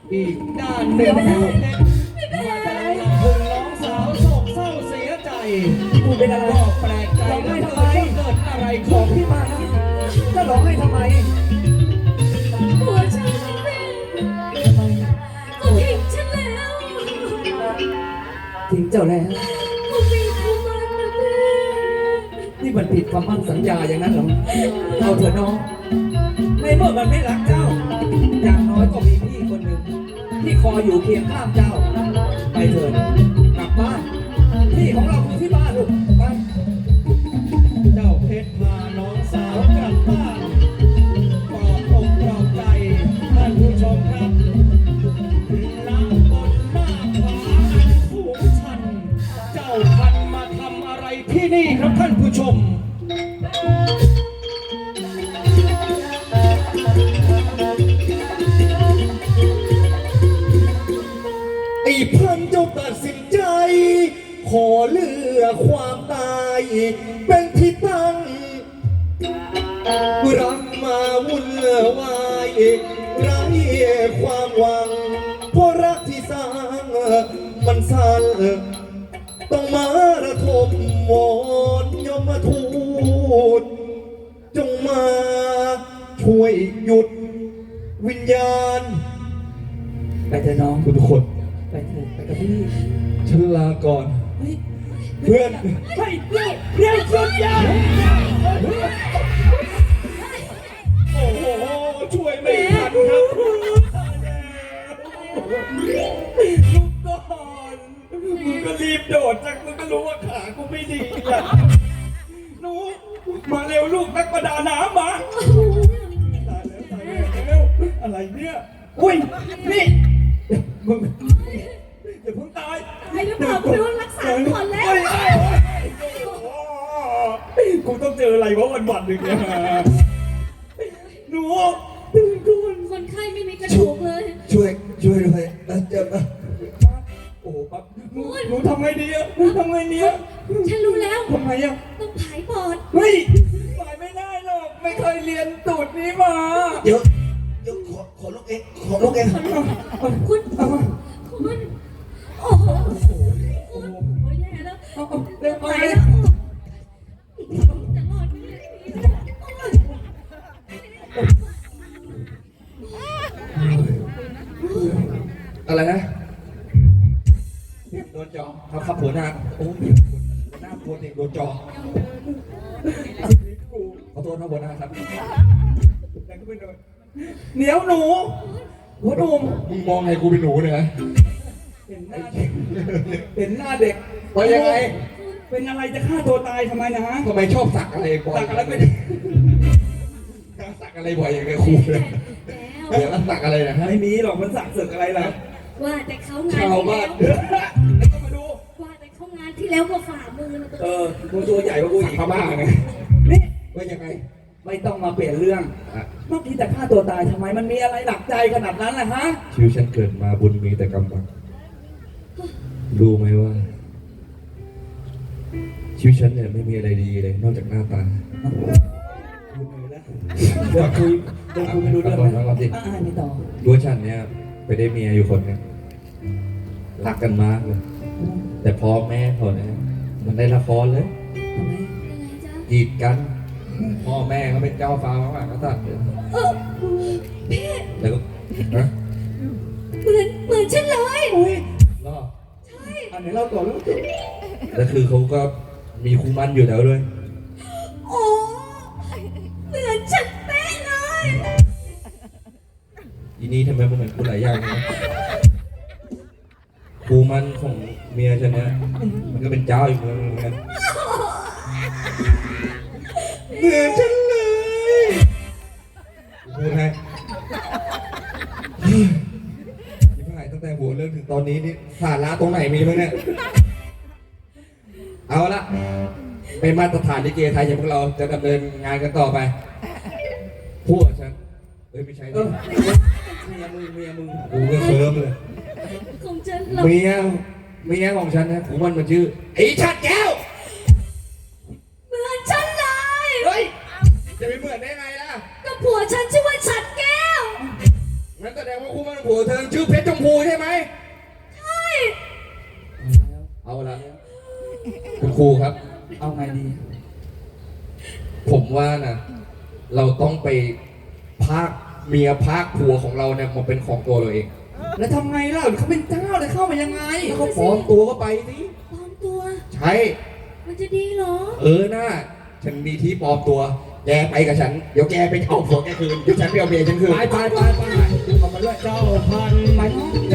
อีกด้านหนึ่งแม่เพชรมาแต่ลำพึงน้องสาวโศกเศร้าเสียใจกูเป็นอะไรก็แปลกใจแล้วเกิดอะไรของพี่มานะจะร้องให้ทำไมหัวฉันก็ทิ้งฉันแล้วทิ้งเจ้าแล้วกูมีคู่มันนะแม่นี่มันผิดคำมั่นสัญญาอย่างนั้นเหรอเอาเถอะน้องในเมื่อมันไม่รักเจ้าอย่างน้อยก็มีพี่คนหนึ่งที่คอยอยู่เคียงข้างเจ้าไปเถิดกลับบ้านที่ของเราคือที่บ้านลูกไปเจ้าเพชรพาน้องสาวกลับบ้านปลอบอกปลอบใจท่านผู้ชมครับณบนหน้าผาอันสูงชันเจ้าพันมาทำอะไรที่นี่ครับท่านผู้ชมไอ้พันเจ้าตัดสินใจขอเลือกความตายเป็นที่ตั้งรักมาวุ่นวายไร้ความหวังเพราะรักที่สร้างมันสั้นต้องมาระทมวอนยมทูตจงมาช่วยหยุดวิญญาณไปเถอะน้องทุกคนไปเถอะไปกับพี่ฉันลาก่อนเฮ้ยเพื่อนเฮ้ยเรียกสุดยอดโอ้โหช่วยไม่ทันครับลุกก่อนมึงก็รีบโดดจังมึงก็รู้ว่าขากูไม่ดีอ่ะหนูมาเร็วลูกนักประดาน้ำมาตายแล้วตายแล้วเร็วอะไรเนี่ยอุ้ยนี่มึงอย่าเพิ่งตายไอ้หรือเปล่ากูโดนรักษาก่อนแล้วกูต้องเจออะไรวะวันหนึ่งเนี่ยหนูตื่นก่อนคนไข้ไม่มีกระดูกเลยช่วยด้วยเจ็บนะโอ้ปั๊บหนูทำไงดีอะหนูทำไงดีอะฉันรู้แล้วทำไงอะต้องผายปอดเฮ้ยปล่อยไม่ได้หรอกไม่เคยเรียนสูตรนี้มาเดี๋ยวขอลูกเองขอลูกเองคุณโอ้โหโอ้โหแย่แล้วเร็วไปตายแล้วจะรอดไหมเนี่ยอะไรนะโดนจอครับหัวหน้าโอ้ยหัวหน้าปวดเองโดนจอขอโทษนะหัวหน้าครับเหนียวหนูหัวหนุ่มมึงมองไงกูเป็นหนูเนี่ยนะเห็นหน้าเด็กเห็นหน้าเด็กว่ายังไงเป็นอะไรจะฆ่าตัวตายทำไมนะทำไมชอบสักอะไรบ่อยสักอะไรไม่ได้สักอะไรบ่อยอย่างเงี้ยครูเลยเดี๋ยวสักอะไรนะฮะไม่มีหรอกมันสักศึกอะไรล่ะว่าแต่เขางานชาวที่บ้าแล้นวแล้วก็มาดูว่าแต่เขางานที่แล้วก็ฝ่ามือนะตัวมึงตัวใหญ่กว่ากูอีกพม่าไงนี่ว่ายังไงไม่ต้องมาเปลี่ยนเรื่องเมื่อกี้แต่ฆ่าตัวตายทำไมมันมีอะไรหนักใจขนาดนั้นล่ะฮะชีวิตฉันเกิดมาบุญมีแต่กำบังรู้ไหมว่า ชีวิตฉันเนี่ยไม่มีอะไรดีเลยนอกจากหน้าตาเดี๋ยวคุยไม่รู้เรื่องฟังก่อนสิไม่ต่อรู้ว่าฉันเนี่ยไปได้เมียอยู่คนหนึงรักกันมากเลย แต่พอแม่เขาเนี่ยมันได้ละครเลยทำไมยังไงจ๊ะกีดกัน พ่อแม่เขาเป็นเจ้าฟ้ามากๆก็ตัดเลยพี่แล้วก็นะเหมือนฉันเลยอุ้ยล่อใช่อันไหนเราต่อแล้วแล้วคือเขาก็มีคู่มั่นอยู่แล้วด้วยโอ้เหมือนฉันเป๊ะเลยทีนี้ทำไมมันเหมือนกูหลายอย่างนะคู่มั่นของเมียฉันเนี่ยมันก็เป็นเจ้าอีกเมืองหนึงเหมือนกันเหมือนฉันเลยพูดให้ที่ผ่านตั้งแต่หัวเรื่องถึงตอนนี้นี่สาระตรงไหนมีมั้งเนี่ย เอาละเป็นมาตรฐานลิเกไทยอย่างพวกเราจะดำเนินงานกันต่อไปพูดกับฉันไม่ใช่ดิเมียมึงกูก็เคิร์มเลยของฉันเราเมียของฉันนะผมมันชื่อไอ้ชัดแก้วเหมือนฉันเลยเฮ้ยจะไปเหมือนได้ไงล่ะก็ผัวฉันชื่อว่าฉัดแก้วงั้นนั่นแสดงว่าคู่มั่นผัวเธอชื่อเพชรชมพูใช่ไหมใช่เอาละคุณครูครับเอาไงดีผมว่านะเราต้องไปพากเมียพากผัวของเราเนี่ยมาเป็นของตัวเราเองแล้วทำไงล่ะเขาเป็นเจ้าเลยเข้ามายังไงแล้วเขาปลอมตัวก็ไปสิปลอมตัวใช่มันจะดีเหรอน่าฉันมีที่ปลอมตัว แกไปกับฉัน เดี๋ยวแกไปเอาผัวแกคืน เดี๋ยวฉันไปเอาเมียฉันคืนไปเอามาด้วยเจ้าพันไปน้อง